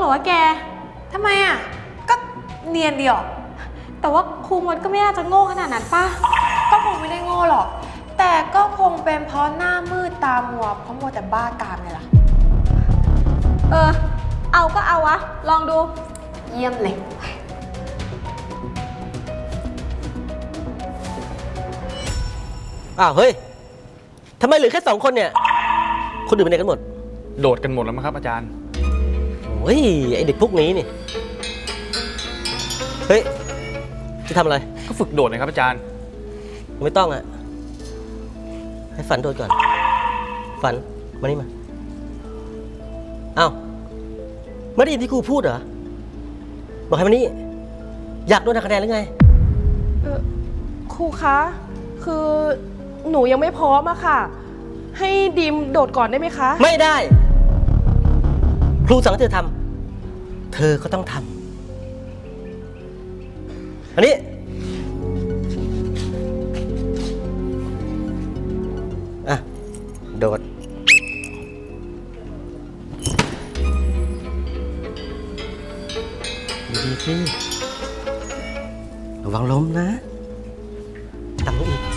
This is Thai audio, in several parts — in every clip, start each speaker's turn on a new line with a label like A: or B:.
A: วะแกทำไมอ่ะก็เนียนดีหรอแต่ว่าครูมดก็ไม่น่าจะโง่ขนาดนั้นป่ะก็คงไม่ได้โง่หรอกแต่ก็คงเป็นเพราะหน้ามืดตามัวเพราะมัวแต่บ้ากามไงล่ะเอาก็เอาวะลองดูเยี่ยมเลย
B: อ้าวเฮ้ยทำไมเหลือแค่2 คนเนี่ยคนอื่นไปไหนกันหมด
C: โดดกันหมดแล้วมั้งครับอาจารย์
B: โอ้ยไอเด็กพวกนี้นี่เฮ้ยจะทำอะไร
C: ก็ฝึกโดดนะครับอาจารย์
B: ไม่ต้องอะให้ฝันโดดก่อนฝันมานี่มาอ้าวไม่ได้ยินที่ครูพูดเหรอบอกให้มานี่อยากโดนหักคะแนนหรือไง
D: ครูคะคือหนูยังไม่พร้อมอะค่ะให้ดิมโดดก่อนได้ไหมคะ
B: ไม่ได้ครูสั่งให้เธอทำเธอก็ต้องทำอันนี้อ่ะโดดดีสิระวังล้มนะต่ำลงอีก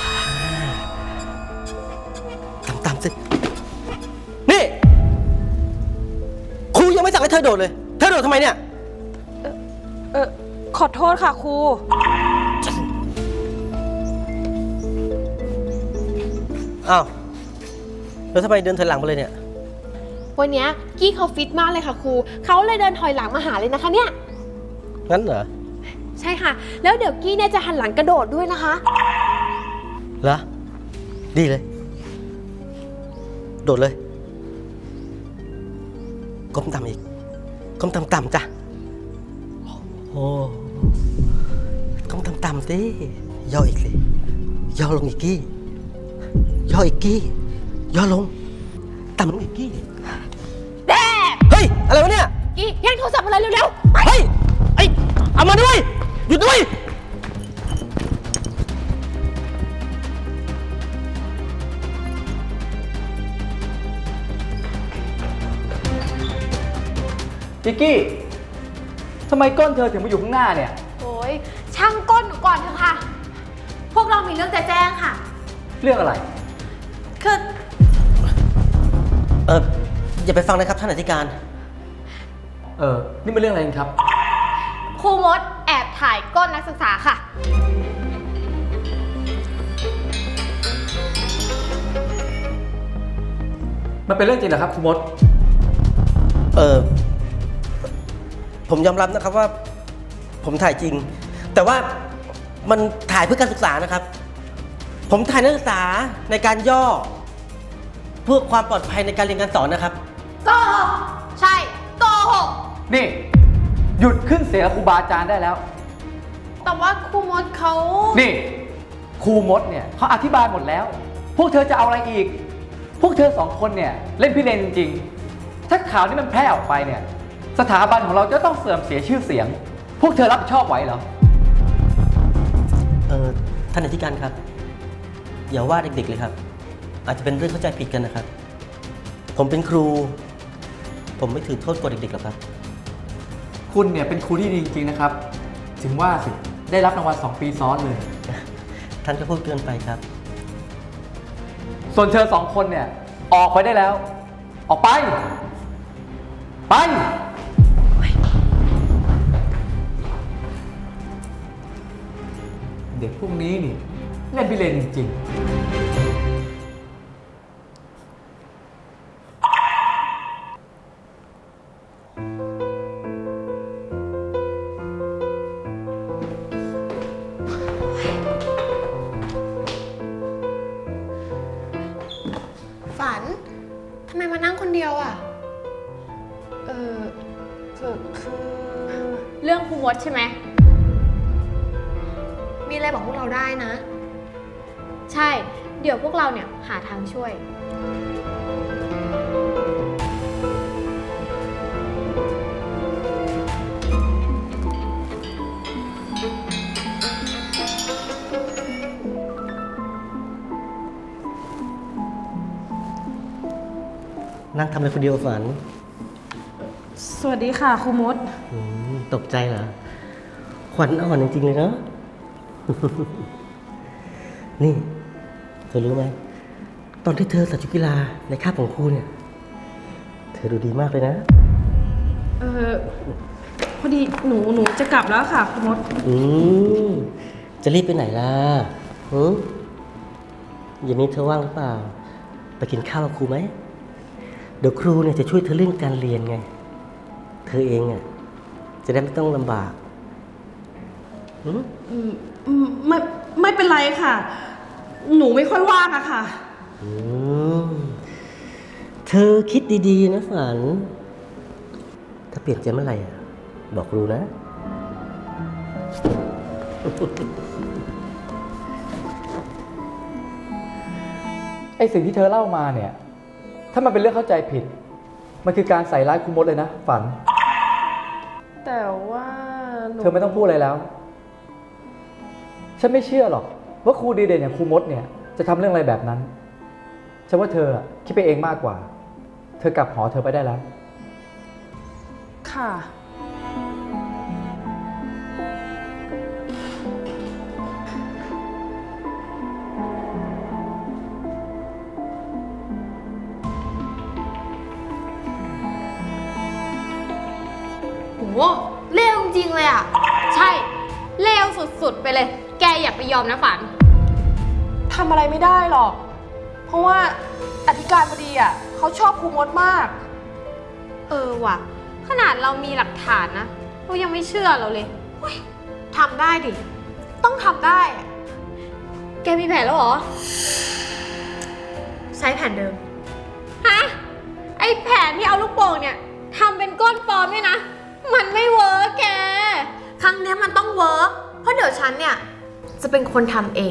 B: ต่ำสินี่ครูยังไม่สั่งให้เธอโดดเลยเธอโดดทำไมเนี่ย
D: ขอโทษค่ะครู
B: อ้าวแล้วทำไมเดินถอยหลังมาเลยเนี่ย
A: วันนี้กี้เขาฟิตมากเลยค่ะครูเขาเลยเดินถอยหลังมาหาเลยนะคะเนี่ย
B: งั้นเหรอ
A: ใช่ค่ะแล้วเดี๋ยวกี้เนี่ยจะหันหลังกระโดดด้วยนะคะ
B: เหรอดีเลยโดดเลยก้มต่ำอีกก้มต่ำๆจ้ะโอ้ก้มต่ำๆสิย่ออีกสิย่อลงอีกกี้ย่ออีกกี้ย่อลงต่ำลงอีกกี้
A: แด่
B: เฮ้ยอะไรวะเนี่ย
A: กี้แย่งโทรศัพท์มาเลยเร็วๆ
B: เฮ้ยไอ้เอามาด้วยหยุดด้วย
C: จิกกี้ทำไมก้นเธอถึงมาอยู่ข้างหน้าเนี่ย
A: โอ้ยช่างก้นหนูก่อนเถอะค่ะพวกเรามีเรื่องจะแจ้งค่ะ
C: เรื่องอะไร
A: คือ
B: อย่าไปฟังนะครับท่านอธิการ
C: นี่เป็นเรื่องอะไรครับ
A: ครูมดแอบถ่ายก้นนักศึกษาค่ะ
C: มันเป็นเรื่องจริงเหรอครับครูมด
B: ผมยอมรับนะครับว่าผมถ่ายจริงแต่ว่ามันถ่ายเพื่อการศึกษานะครับผมถ่ายนักศึกษาในการย่อเพื่อความปลอดภัยในการเรียนการสอนนะครับ
A: โกหกใช่โกหก
C: นี่หยุดขึ้นเสียงครูบาอาจารย์ได้แล้ว
A: แต่ว่าครูมดเขา
C: นี่ครูมดเนี่ยเขาอธิบายหมดแล้วพวกเธอจะเอาอะไรอีกพวกเธอ2 คนเนี่ยเล่นพิเรนจริงๆถ้าข่าวนี้มันแพร่ออกไปเนี่ยสถาบันของเราจะต้องเสื่อมเสียชื่อเสียงพวกเธอรับผิดชอบไหวเหรอ
B: ท่านอธิการครับอย่าว่าเด็กๆเลยครับอาจจะเป็นเรื่องเข้าใจผิดกันนะครับผมเป็นครูผมไม่ถือโทษกดเด็กๆหรอกครับ
C: คุณเนี่ยเป็นครูที่ดีจริงๆนะครับถึงว่าสิได้รับรางวัล2 ปีซ้อนเลย
B: ท่านก็พูดเกินไปครับ
C: ส่วนเธอ2 คนเนี่ยออกไปได้แล้วออกไปเด็กพวกนี้นี่เล่นพิเรนจริงๆ
A: ฝันทำไมมานั่งคนเดียวอ่ะคือเรื่องครูมดใช่ไหมมีอะไรบอกพวกเราได้นะใช่เดี๋ยวพวกเราเนี่ยหาทางช่วย
B: นั่งทำอะไรคนเดียวฝัน
D: สวัสดีค่ะครูมด
B: ตกใจเหรอ ขวัญอ่อนจริงๆเลยเนาะ นี่ เธอรู้ไหม ตอนที่เธอใส่ชุดกีฬาในคาบของครูเนี่ย เธอดูดีมากเลยนะ
D: พอดีหนูจะกลับแล้วค่ะครูมด
B: จะรีบไปไหนล่ะหือเย็นนี้เธอว่างหรือเปล่า ไปกินข้าวกับครูไหม เดี๋ยวครูเนี่ยจะช่วยเธอเรื่องการเรียนไง เธอเองอ่ะจะได้ไม่ต้องลำบาก
D: ไม่เป็นไรค่ะ หนูไม่ค่อยว่างอะค่ะ
B: เธอคิดดีๆนะฝัน ถ้าเปลี่ยนใจเมื่อไหร่อ่ะ บอกครูนะ
C: ไอสิ่งที่เธอเล่ามาเนี่ย ถ้ามันเป็นเรื่องเข้าใจผิด มันคือการใส่ร้ายครูมดเลยนะ ฝัน
D: แต่ว่าหนู
C: เธอไม่ต้องพูดอะไรแล้ว ฉันไม่เชื่อหรอกว่าครูดีเด่นอย่างครูมดเนี่ยจะทำเรื่องอะไรแบบนั้น ฉันว่าเธอคิดไปเองมากกว่า เธอกลับหอเธอไปได้แล้ว
D: ค่ะ
A: โหเลวจริงๆเลยอ่ะ ใช่ เลวสุดๆไปเลย แกอย่าไปยอมนะฝัน
D: ทำอะไรไม่ได้หรอก เพราะว่าอธิการบดีอ่ะเขาชอบครูมดมาก
A: เออว่ะ ขนาดเรามีหลักฐานนะเรายังไม่เชื่อเราเลยเฮ้ยทำได้ดิ ต้องทำได้อะแกมีแผนแล้วเหรอ ใช้แผนเดิม ฮะ ไอแผนที่เอาลูกโป่งเนี่ยทำเป็นก้นปลอมเนี่ยนะ มันไม่เวิร์กแก ครั้งเนี้ยมันต้องเวิร์กเพราะเดี๋ยวฉันเนี่ย จะเป็นคนทำเอง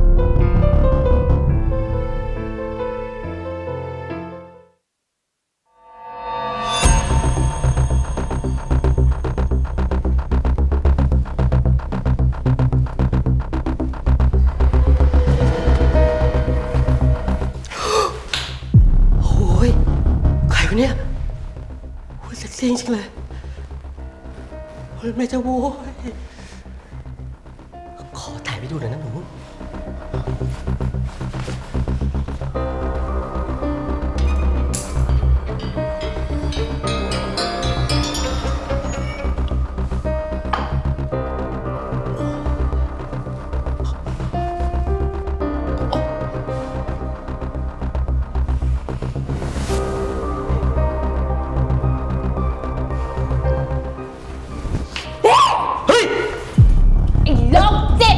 B: โอ้ยใครวะเนี่ยโอ้ยเซ็กซี่จริงๆเลยโอ้ยแม่เจ้าโว้ยขอถ่ายไปดูหน่อยนะหนู เฮ้ย
A: ไอ้โรคจิต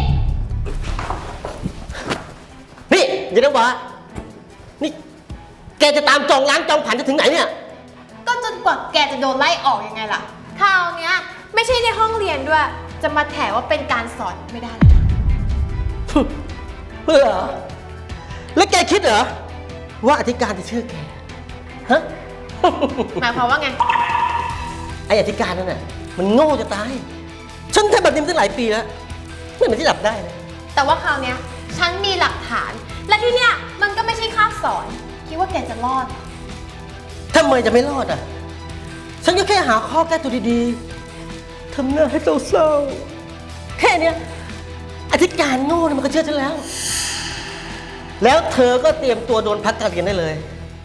B: นี่อย่านะวะนี่ แกจะตามจองล้างจองผ่านจะถึงไหนเนี่ย
A: ก็จนกว่าแกจะโดนไล่ออกยังไงล่ะ คราวเนี้ยไม่ใช่ในห้องเรียนด้วย จะมาแถว่าเป็นการสอนไม่ได้เลยนะ
B: เพื่อเหรอแล้วแกคิดเหรอ ว่าอธิการจะเชื่อแก ฮะ
A: หมายความว่าไง
B: ไออธิการนั่นน่ะมันโง่จะตาย ฉันทำแบบนี้มาตั้งหลายปีแล้วไม่เหมือนที่ดับได้เลย
A: แต่ว่าคราวเนี้ยฉันมีหลักฐาน และที่เนี้ยมันก็ไม่ใช่คาบสอน คิดว่าแกจะรอดเหรอ
B: ทำไมจะไม่รอดอ่ะ ฉันก็แค่หาข้อแก้ตัวดีๆทำหน้าให้เศร้าๆแค่เนี้ยอธิการโง่เนี่ยมันก็เชื่อฉันแล้ว แล้วเธอก็เตรียมตัวโดนพักการเรียนได้เลย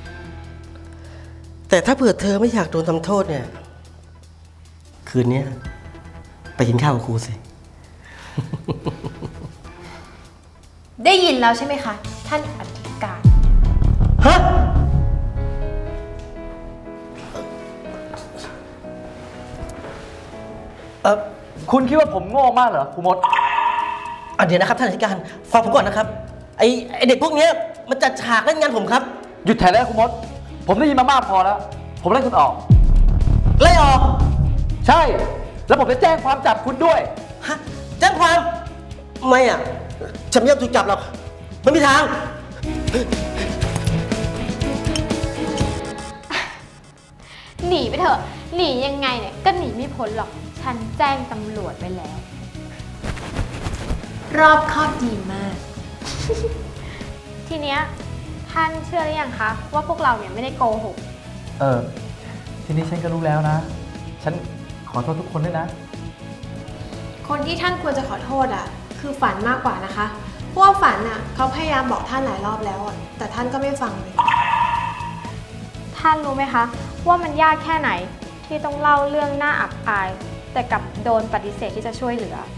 B: แต่ถ้าเผื่อเธอไม่อยากโดนทำโทษเนี่ย คืนนี้ไปกินข้าวกับครูสิ
A: ได้ยินแล้วใช่ไหมคะ ท่านอธิการ
B: ฮะ
C: คุณคิดว่าผมโง่มากเหรอครูมด
B: เดี๋ยวนะครับท่านอธิการฟังผมก่อนนะครับ ไอเด็กพวกเนี้ยมันจัดฉากเล่นงานผมครับ
C: หยุดแถได้แล้วครูมด ผมได้ยินมามากพอแล้ว ผมไล่คุณออก
B: ไล่ออก
C: ใช่ แล้วผมจะแจ้งความจับคุณด้วย
B: ฮะแจ้งความ ไม่อ่ะ ฉันไม่อยากถูกจับหรอกไม่มีทาง
A: หนีไปเถอะ หนียังไงเนี่ยก็หนีไม่พ้นหรอก ฉันแจ้งตำรวจไปแล้ว รอบคอบดีมาก ทีเนี้ยท่านเชื่อหรือยังคะว่าพวกเราเนี่ยไม่ได้โกหก
C: ทีนี้ฉันก็รู้แล้วนะฉันขอโทษทุกคนด้วยนะ
A: คนที่ท่านควรจะขอโทษอ่ะ คือฝันมากกว่านะคะ เพราะว่าฝันอ่ะเขาพยายามบอกท่านหลายรอบแล้วอ่ะ แต่ท่านก็ไม่ฟังเลย
E: ท่านรู้ไหมคะว่ามันยากแค่ไหนที่ต้องเล่าเรื่องน่าอับอาย แต่กลับโดนปฏิเสธที่จะช่วยเหลือ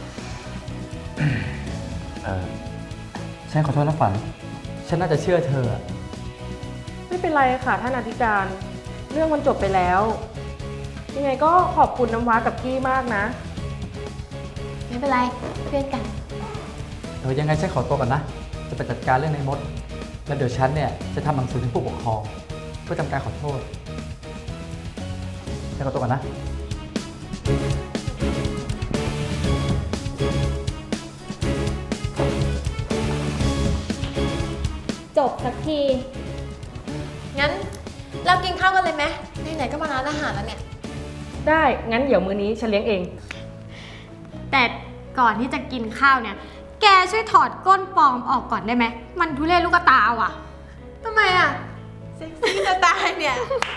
C: ฉันขอโทษนะฝัน ฉันน่าจะเชื่อเธอ
D: ไม่เป็นไรค่ะท่านอธิการ เรื่องมันจบไปแล้ว ยังไงก็ขอบคุณน้ำว้ากับกี้มากนะ
A: ไม่เป็นไรเพื่อนกัน
C: ยังไงฉันขอตัวก่อนนะ จะไปจัดการเรื่องในมด แล้วเดี๋ยวฉันเนี่ยจะทำหนังสือถึงผู้ปกครองเพื่อทำการขอโทษ ฉันขอตัวก่อนนะ
E: จบสักที
A: งั้นเรากินข้าวกันเลยไหมไหนๆก็มาร้านอาหารแล้วเนี่ย
D: ได้ งั้นเดี๋ยวมื้อนี้ฉันเลี้ยงเอง
A: แต่ก่อนที่จะกินข้าวเนี่ย แกช่วยถอดก้นปลอมออกก่อนได้ไหม มันทุเรศลูกตาว่ะทำไมอ่ะ เซ็กซี่จะตายเนี่ย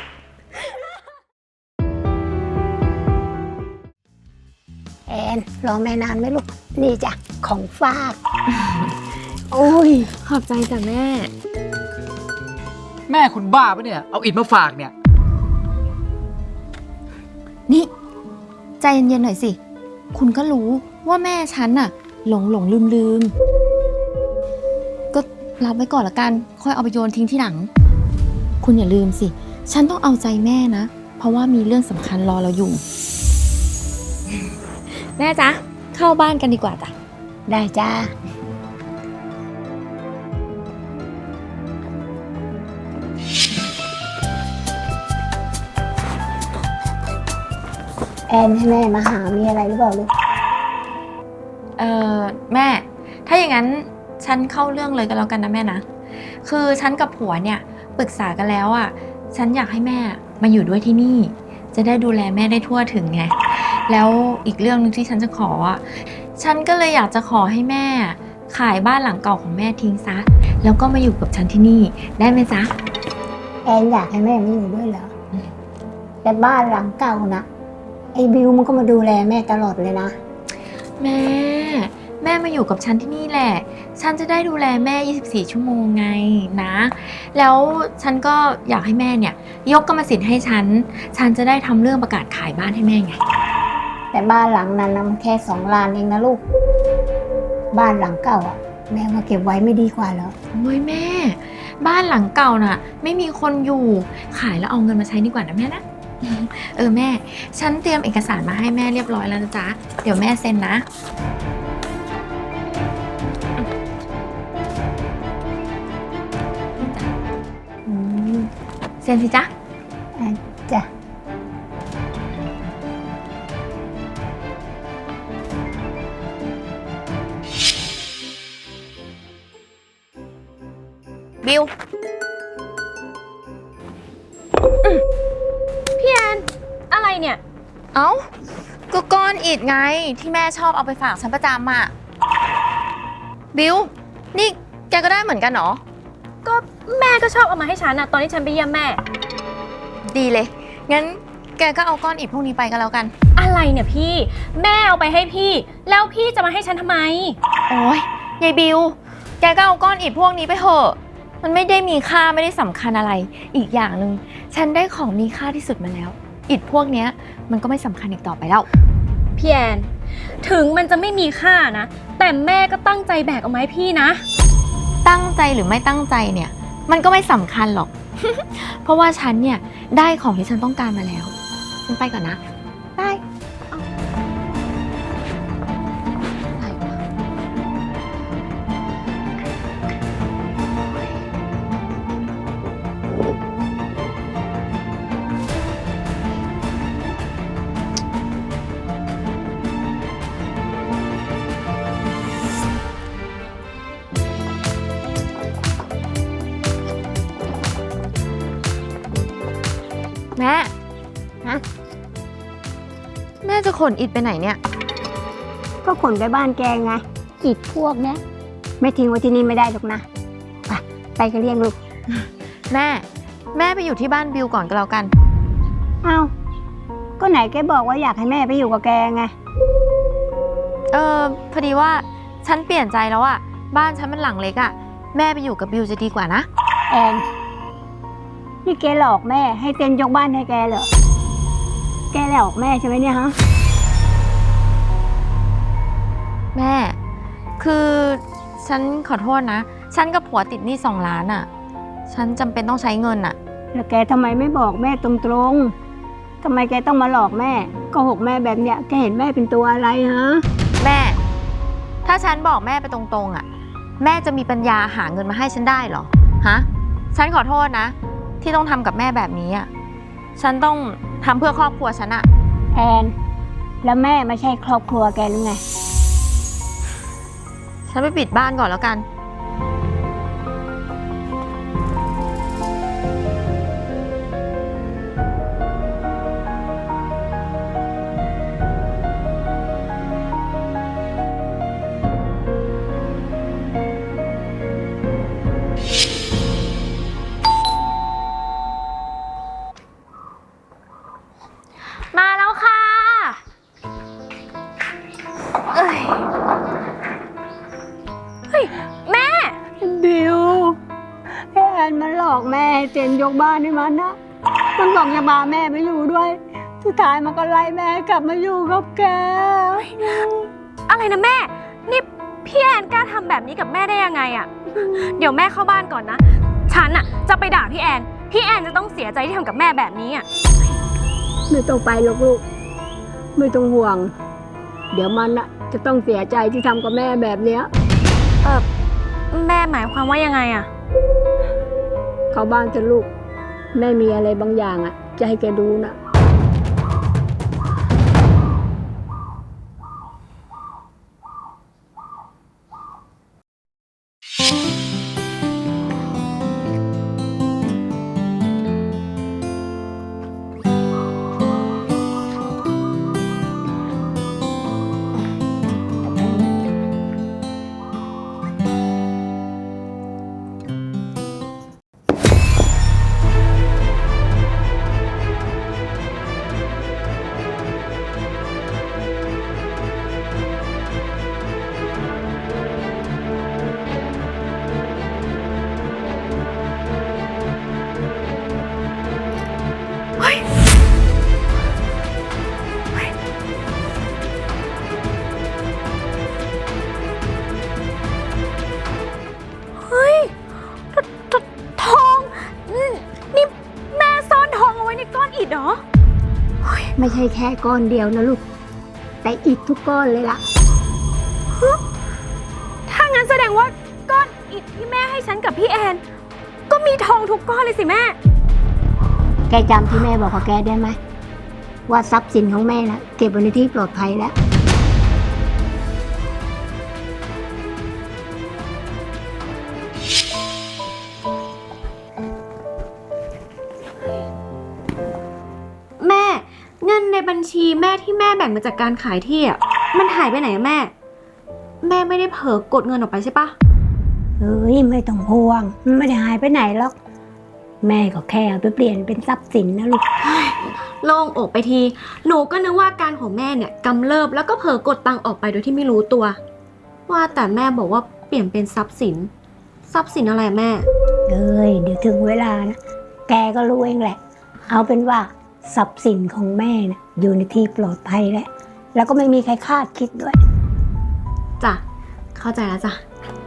F: แอนรอแม่นานไหมลูก นี่จ้ะ ของฝาก โอ้ย
E: ขอบใจจ้ะแม่
C: แม่คุณบ้าปะเนี่ย เอาอิฐมาฝากเนี่ย
G: นี่ ใจเย็นๆหน่อยสิ คุณก็รู้ว่าแม่ฉันน่ะ หลงลืม ก็รับไว้ก่อนละกัน ค่อยเอาไปโยนทิ้งที่หลัง คุณอย่าลืมสิ ฉันต้องเอาใจแม่นะ เพราะว่ามีเรื่องสำคัญรอเราอยู่ แม่จ๊ะ เข้าบ้านกันดีกว่าจ้ะ
F: ได้จ้า แอนให้แม่มาหา มีอะไรหรือเปล่าลูก
G: แม่ ถ้าอย่างนั้นฉันเข้าเรื่องเลยกันแล้วกันนะแม่นะ คือฉันกับผัวเนี่ยปรึกษากันแล้วอ่ะ ฉันอยากให้แม่มาอยู่ด้วยที่นี่ จะได้ดูแลแม่ได้ทั่วถึงไง แล้วอีกเรื่องนึงที่ฉันจะขออ่ะ ฉันก็เลยอยากจะขอให้แม่ขายบ้านหลังเก่าของแม่ทิ้งซะ แล้วก็มาอยู่กับฉันที่นี่ได้ไหมจ๊ะ
F: แอนอยากให้แม่มาอยู่ด้วยเหรอ แต่บ้านหลังเก่านะไอ้บิวมันก็มาดูแลแม่ตลอดเลยนะ
G: แม่มาอยู่กับฉันที่นี่แหละ ฉันจะได้ดูแลแม่ 24 ชั่วโมงไงนะ แล้วฉันก็อยากให้แม่เนี่ยยกกรรมสิทธิ์ให้ฉันจะได้ทำเรื่องประกาศขายบ้านให้แม่ไง
F: แต่บ้านหลังนั้นนะมันแค่2 ล้านเองนะลูก บ้านหลังเก่าอ่ะ แม่มาเก็บไว้ไม่ดีกว่าเหรอ
G: โอ้ยแม่ บ้านหลังเก่าน่ะ ไม่มีคนอยู่ขายแล้วเอาเงินมาใช้ดีกว่านะแม่นะ แม่ ฉันเตรียมเอกสารมาให้แม่เรียบร้อยแล้วนะจ๊ะ เดี๋ยวแม่เซ็นนะเซ็นสิจ๊ะ
F: จ้ะ
G: บิว
E: พี่แอน อะไรเนี่ย
G: เอ้าก็ก้อนอิฐไงที่แม่ชอบเอาไปฝากฉันประจำอ่ะ บิว นี่แกก็ได้เหมือนกันเหรอ
E: ก็แม่ก็ชอบเอามาให้ฉันนะตอนที่ฉันไปเยี่ยมแม่
G: ดีเลย งั้นแกก็เอาก้อนอิฐพวกนี้ไปก็แล้วกัน
E: อะไรเนี่ยพี่ แม่เอาไปให้พี่ แล้วพี่จะมาให้ฉันทำไม
G: โอ้ยยายบิว แกก็เอาก้อนอิฐพวกนี้ไปเถอะ มันไม่ได้มีค่าไม่ได้สำคัญอะไร อีกอย่างหนึ่งฉันได้ของมีค่าที่สุดมาแล้ว อิฐพวกเนี้ยมันก็ไม่สำคัญอีกต่อไปแล้ว
E: พี่แอน ถึงมันจะไม่มีค่านะ แต่แม่ก็ตั้งใจแบกเอามาให้พี่นะ
G: ตั้งใจหรือไม่ตั้งใจเนี่ย มันก็ไม่สำคัญหรอก เพราะว่าฉันเนี่ยได้ของที่ฉันต้องการมาแล้ว ฉันไปก่อนนะบายแม่
F: ฮะ
G: แม่จะขนอิฐไปไหนเนี่ย
F: ก็ขนไปบ้านแกไง อิฐพวกเนี้ยไม่ทิ้งไว้ที่นี่ไม่ได้หรอกนะ ไปก็เรียกลูก
G: แม่ไปอยู่ที่บ้านบิวก่อนก็แล้วกัน
F: เอ้าก็ไหนแกบอกว่าอยากให้แม่ไปอยู่กับแกไง
G: พอดีว่าฉันเปลี่ยนใจแล้วอะบ้านฉันมันหลังเล็กอะแม่ไปอยู่กับบิวจะดีกว่านะ
F: แอน นี่แกหลอกแม่ให้เซ็นยกบ้านให้แกเหรอ แกหลอกแม่ใช่ไหมเนี่ยฮะ
G: แม่ คือฉันขอโทษนะ ฉันกับผัวติดหนี้2 ล้านอะฉันจำเป็นต้องใช้เงินอะ
F: แล้วแกทำไมไม่บอกแม่ตรงๆ ทำไมแกต้องมาหลอกแม่โกหกแม่แบบเนี้ย แกเห็นแม่เป็นตัวอะไรฮะ
G: แม่ ถ้าฉันบอกแม่ไปตรงๆอะแม่จะมีปัญญาหาเงินมาให้ฉันได้เหรอ ฮะ ฉันขอโทษนะ ที่ต้องทำกับแม่แบบนี้อะฉันต้องทำเพื่อครอบครัวฉันอะ
F: แอน แล้วแม่ไม่ใช่ครอบครัวแกหรือไง
G: ฉันไปปิดบ้านก่อนแล้วกัน
E: มาแล้วค่ะ เอ้ย เฮ้ย แม่
F: บิวไอ้แอนมันหลอกแม่ให้เซ็นยกบ้านให้มันนะ มันบอกจะพาแม่ไปอยู่ด้วย สุดท้ายมันก็ไล่แม่กลับมาอยู่กับแก
E: อะไรนะแม่ นี่พี่แอนกล้าทำแบบนี้กับแม่ได้ยังไงอะเดี๋ยวแม่เข้าบ้านก่อนนะ ฉันอะจะไปด่าพี่แอน พี่แอนจะต้องเสียใจที่ทำกับแม่แบบนี้อะ
F: ไม่ต้องไปหรอกลูก ไม่ต้องห่วง เดี๋ยวมันน่ะจะต้องเสียใจที่ทำกับแม่แบบเนี้ย
E: แม่หมายความว่ายังไงอะ
F: เข้าบ้านจะลูก แม่มีอะไรบางอย่างอ่ะ จะให้แกดูนะ
E: เฮ้ยทองนี่แม่ซ่อนทองเอาไว้ในก้อนอิฐเหรอ
F: ไม่ใช่แค่ก้อนเดียวนะลูก แต่อีกทุกก้อนเลยล่ะ
E: ถ้างั้นแสดงว่าก้อนอิฐที่แม่ให้ฉันกับพี่แอน ก็มีทองทุกก้อนเลยสิแม่
F: แกจำที่แม่บอกกับแกได้ไหม ว่าทรัพย์สินของแม่นะเก็บไว้ในที่ปลอดภัยแล้ว
E: แม่เงินในบัญชีแม่ที่แม่แบ่งมาจากการขายที่อ่ะมันหายไปไหนอะแม่ แม่ไม่ได้เผลอกดเงินออกไปใช่ปะ
F: เอ้ยไม่ต้องห่วง มันไม่ได้หายไปไหนหรอก แม่ก็แค่เอาไปเปลี่ยนเป็นทรัพย์สินนะลูก
E: โล่งอกไปที หนูก็นึกว่าการของแม่เนี่ยกำเริบแล้วก็เผลอกดตังค์ออกไปโดยที่ไม่รู้ตัว ว่าแต่แม่บอกว่าเปลี่ยนเป็นทรัพย์สิน ทรัพย์สินอะไรแม่
F: เอ้ยเดี๋ยวถึงเวลานะ แกก็รู้เองแหละ เอาเป็นว่าทรัพย์สินของแม่นะอยู่ในที่ปลอดภัยแล้วก็ไม่มีใครคาดคิดด้วย
E: จ้ะ เข้าใจแล้วจ้ะ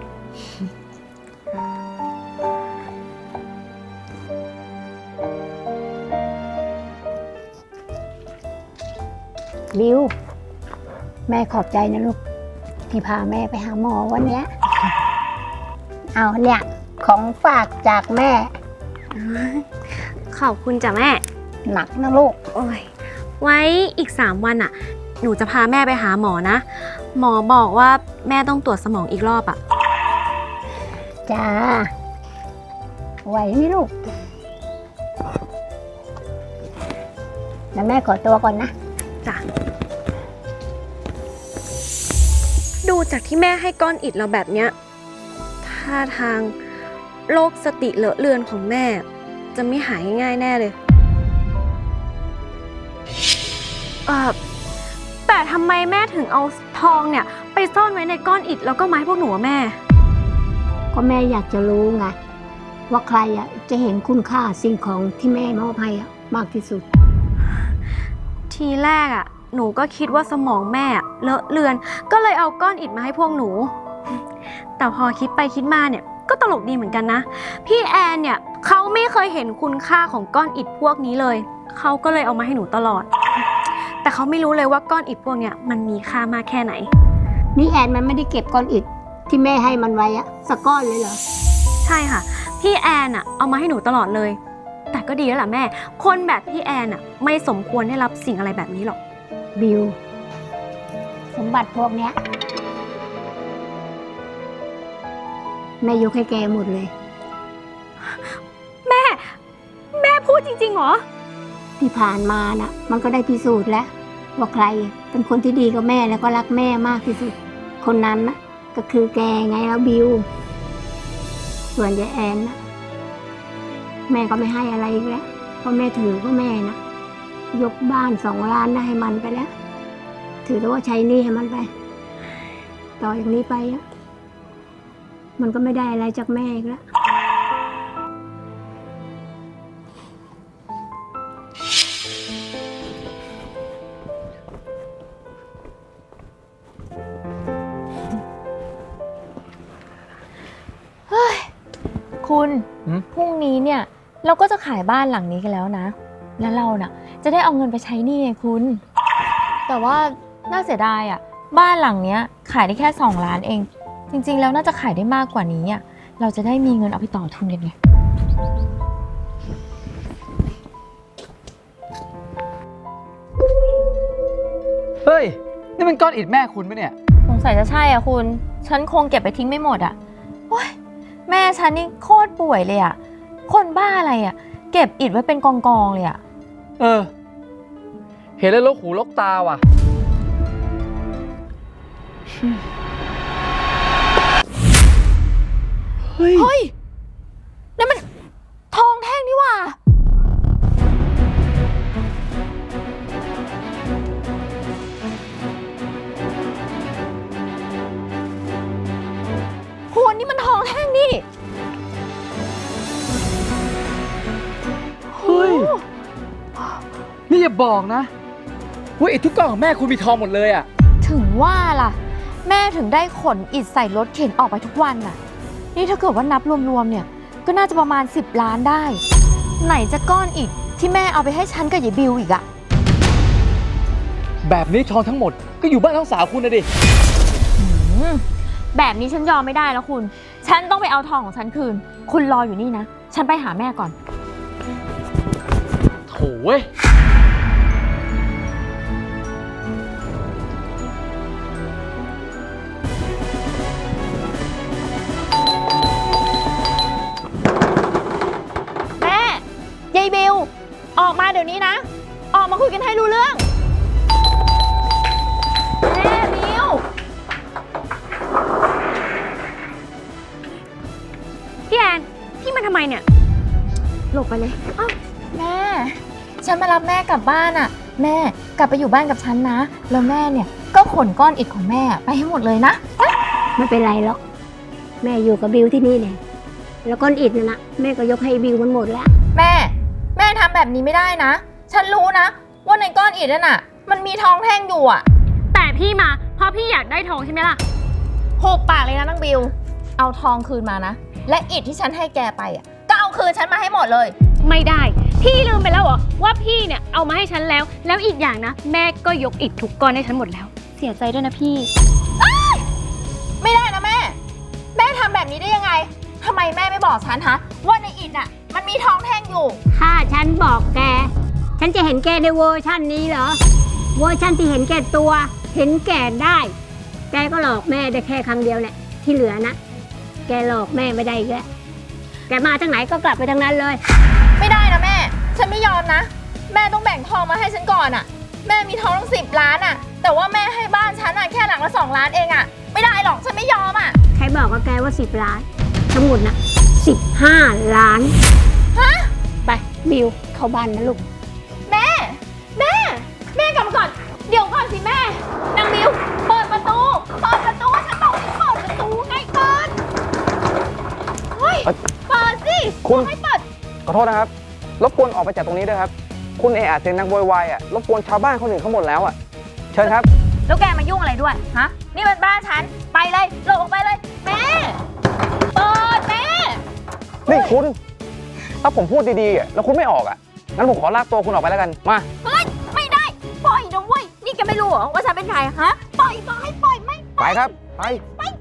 F: บิว แม่ขอบใจนะลูก ที่พาแม่ไปหาหมอวันเนี้ย เอาเนี่ย ของฝากจากแม่
E: ขอบคุณจ้ะแม่
F: หนักนะลูก
E: โอ้ย ไว้อีก3 วันอ่ะ หนูจะพาแม่ไปหาหมอนะ หมอบอกว่าแม่ต้องตรวจสมองอีกรอบอ่ะ
F: จ้า ไหวไหมลูก แล้วแม่ขอตัวก่อนนะ
E: จ้ะ ดูจากที่แม่ให้ก้อนอิฐเราแบบเนี้ยท่าทางโรคสติเลอะเลือนของแม่ จะไม่หายง่ายๆแน่เลยแต่ทำไมแม่ถึงเอาทองเนี่ยไปซ่อนไว้ในก้อนอิฐแล้วก็ไม้พวกหนูอะแม่
F: ก็แม่อยากจะรู้ไงว่าใครอ่ะจะเห็นคุณค่าสิ่งของที่แม่มอบให้อ่ะมากที่สุด
E: ทีแรกอะหนูก็คิดว่าสมองแม่อะเลอะเลือน ก็เลยเอาก้อนอิฐมาให้พวกหนู แต่พอคิดไปคิดมาเนี่ยก็ตลกดีเหมือนกันนะ พี่แอนเนี่ยเขาไม่เคยเห็นคุณค่าของก้อนอิฐพวกนี้เลยเขาก็เลยเอามาให้หนูตลอด แต่เขาไม่รู้เลยว่าก้อนอิฐพวกเนี้ยมันมีค่ามากแค่ไหน
F: นี่แอนมันไม่ได้เก็บก้อนอิฐที่แม่ให้มันไว้อะสักก้อนเลยเหรอ
E: ใช่ค่ะ พี่แอนอะเอามาให้หนูตลอดเลย แต่ก็ดีแล้วล่ะแม่ คนแบบพี่แอนอะไม่สมควรได้รับสิ่งอะไรแบบนี้หรอก
F: บิว สมบัติพวกเนี้ยแม่ยกให้แกหมดเลย
E: แม่พูดจริงๆเหรอ
F: ที่ผ่านมาน่ะ มันก็ได้พิสูจน์แล้วว่าใครเป็นคนที่ดีกับแม่แล้วก็รักแม่มากที่สุด คนนั้นน่ะก็คือแกไงแล้วบิว ส่วนยายแอนน่ะแม่ก็ไม่ให้อะไรอีกแล้วเพราะแม่ถือว่าแม่นะยกบ้าน2 ล้านนะให้มันไปแล้ว ถือแต่ว่าใช้หนี้ให้มันไป ต่อจากนี้ไปอ่ะมันก็ไม่ได้อะไรจากแม่อีกแล้ว
G: คุณ
C: หืม
G: พรุ่งนี้เนี่ยเราก็จะขายบ้านหลังนี้กันแล้วนะ แล้วเราน่ะจะได้เอาเงินไปใช้หนี้ไงคุณ แต่ว่าน่าเสียดายอ่ะบ้านหลังเนี้ยขายได้แค่2 ล้านเอง จริงๆแล้วน่าจะขายได้มากกว่านี้อ่ะเราจะได้มีเงินเอาไปต่อทุนกันไง
C: เฮ้ย นี่มันก้อนอิฐแม่คุณปะเนี่ย
G: สงสัยจะใช่อ่ะคุณ ฉันคงเก็บไปทิ้งไม่หมดอ่ะโอ๊ยแม่ฉันนี่โคตรป่วยเลยอ่ะคนบ้าอะไรอ่ะเก็บอิฐไว้เป็นกองๆเลยอ่ะ
C: เออ เห็นแล้วลกหูลกตาว่ะ เฮ้ย
G: เฮ้ยนั่นมันทองแท่งนี่หว่าคุณนี่มันทองแท่งนี่
C: เฮ้ย นี่อย่าบอกนะว่าอิฐทุกก้อนของแม่คุณมีทองหมดเลยอ่ะ
G: ถึงว่าล่ะ แม่ถึงได้ขนอิฐใส่รถเข็นออกไปทุกวันน่ะ นี่ถ้าเกิดว่านับรวมๆเนี่ยก็น่าจะประมาณ10 ล้านได้ ไหนจะก้อนอิฐที่แม่เอาไปให้ฉันกับยายบิวอีกอะ
C: แบบนี้ทองทั้งหมดก็อยู่บ้านทั้งสาวคุณนะดิ
G: แบบนี้ฉันยอมไม่ได้แล้วคุณ ฉันต้องไปเอาทองของฉันคืน คุณรออยู่นี่นะ ฉันไปหาแม่ก่อน
C: โถเว้ย
G: แม่ยายบิวออกมาเดี๋ยวนี้นะ ออกมาคุยกันให้รู้เรื่อง แม่บิว
E: พี่แอน พี่มาทำไมเนี่ย หลบไปเลย
G: แม่ ฉันมารับแม่กลับบ้านอะแม่กลับไปอยู่บ้านกับฉันนะ แล้วแม่เนี่ยก็ขนก้อนอิฐของแม่ไปให้หมดเลยนะ
F: ไม่เป็นไรหรอกแม่อยู่กับบิวที่นี่เนี่ยแล้วก้อนอิฐน่ะนะแม่ก็ยกให้บิวมันหมดแล้ว
G: แม่ทำแบบนี้ไม่ได้นะ ฉันรู้นะว่าในก้อนอิฐนั่นน่ะมันมีทองแท่งอยู่อะ
E: แต่พี่มาเพราะพี่อยากได้ทองใช่ไหมล่ะ
G: หุบปากเลยนะนางบิว เอาทองคืนมานะ และอิฐที่ฉันให้แกไปอะก็เอาคืนฉันมาให้หมดเลย
E: ไม่ได้ พี่ลืมไปแล้วเหรอว่าพี่เนี่ยเอามาให้ฉันแล้ว แล้วอีกอย่างนะ แม่ก็ยกอิฐทุกก้อนให้ฉันหมดแล้ว เสียใจด้วยนะพี่
G: ไม่ได้นะแม่ แม่ทำแบบนี้ได้ยังไงทำไมแม่ไม่บอกฉันฮะว่าในอิฐน่ะมันมีทองแท่งอยู่
F: ถ้าฉันบอกแก ฉันจะเห็นแกในเวอร์ชันนี้เหรอ เวอร์ชันที่เห็นแก่ตัว เห็นแก่ได้ แกก็หลอกแม่ได้แค่ครั้งเดียวแหละ ที่เหลือนะ แกหลอกแม่ไม่ได้อีกแล้ว แกมาทางไหนก็กลับไปทางนั้นเลย
G: ไม่ได้นะแม่ ฉันไม่ยอมนะ แม่ต้องแบ่งทองมาให้ฉันก่อนอะแม่มีทองตั้ง10 ล้านอะแต่ว่าแม่ให้บ้านฉันอะแค่หลังละ2 ล้านเองอะไม่ได้หรอก ฉันไม่ยอมอะ
F: ใครบอกกับแกว่า10 ล้าน ทั้งหมดนะ15 ล้าน
G: ฮะ
F: ไปบิวเข้าบ้านนะลูก
G: แม่กลับมาก่อน
H: คุณขอโทษนะครับ รบกวนออกไปจากตรงนี้ด้วยครับ คุณเอะเสียงดังโวยวายอ่ะ รบกวนชาวบ้านคนอื่นเขาหมดแล้วอ่ะ เชิญครับ
E: แล้วแกมายุ่งอะไรด้วย ฮะ นี่มันบ้านฉัน ไปเลยหลบออกไปเลย แม่ เปิดแม่
H: นี่คุณ ถ้าผมพูดดีๆอ่ะแล้วคุณไม่ออกอ่ะ งั้นผมขอลากตัวคุณออกไปแล้วกัน มา
E: เฮ้ย ไม่ได้ ปล่อยนะเว้ย นี่แกไม่รู้เหรอว่าฉันเป็นใคร ฮะ ปล่อยบอกให้ปล่อยไม่
H: ไปครับ ไป
E: ไป